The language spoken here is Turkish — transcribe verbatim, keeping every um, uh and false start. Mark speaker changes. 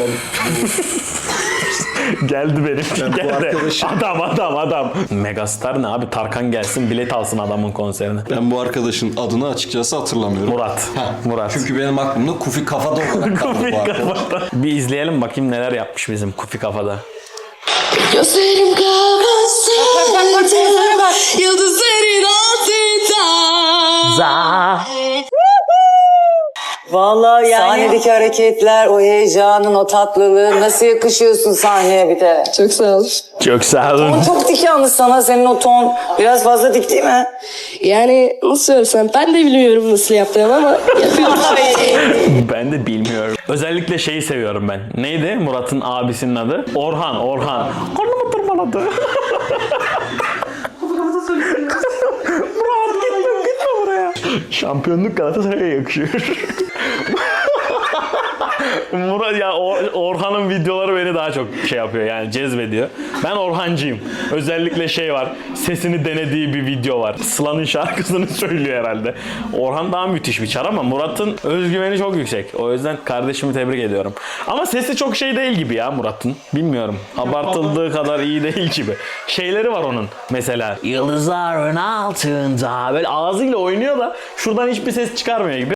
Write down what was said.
Speaker 1: Geldi benim.
Speaker 2: Ben bu
Speaker 1: Geldi.
Speaker 2: arkadaşım-
Speaker 1: Adam adam adam. Megastar ne abi? Tarkan gelsin bilet alsın adamın konserine.
Speaker 2: Ben bu arkadaşın adını açıkçası hatırlamıyorum.
Speaker 1: Murat.
Speaker 2: Ha,
Speaker 1: Murat.
Speaker 2: Çünkü benim aklımda Kufi Kafada olarak kaldı
Speaker 1: Kufi
Speaker 2: bu arkadaş.
Speaker 1: Kafada. Bir izleyelim bakayım neler yapmış bizim Kufi Kafada.
Speaker 3: Gözlerim kapansaydı yıldızların altında.
Speaker 4: Vallahi yani sahnedeki hareketler, o heyecanın, o tatlılığın nasıl yakışıyorsun sahneye bir de.
Speaker 3: Çok sağ ol.
Speaker 1: Çok sağ olun.
Speaker 4: Ton çok dik yalnız sana, senin o ton biraz fazla dik değil mi?
Speaker 3: Yani nasıl söylesem ben de bilmiyorum nasıl yaptığımı ama yapıyorum.
Speaker 1: Ben de bilmiyorum. Özellikle şeyi seviyorum ben. Neydi Murat'ın abisinin adı? Orhan, Orhan. Karnımı tırmaladı. Murat gitme, gitme buraya. Şampiyonluk Galatasaray'a yakışıyor. Murat ya Or- Orhan'ın videoları beni daha çok şey yapıyor yani cezbediyor. Ben Orhancıyım. Özellikle şey var. Sesini denediği bir video var. Sıla'nın şarkısını söylüyor herhalde. Orhan daha müthiş bir çar ama Murat'ın özgüveni çok yüksek. O yüzden kardeşimi tebrik ediyorum. Ama sesi çok şey değil gibi ya Murat'ın. Bilmiyorum. Abartıldığı kadar iyi değil gibi. Şeyleri var onun. Mesela yıldızların altında böyle ağzıyla oynuyor da şuradan hiçbir ses çıkarmıyor gibi.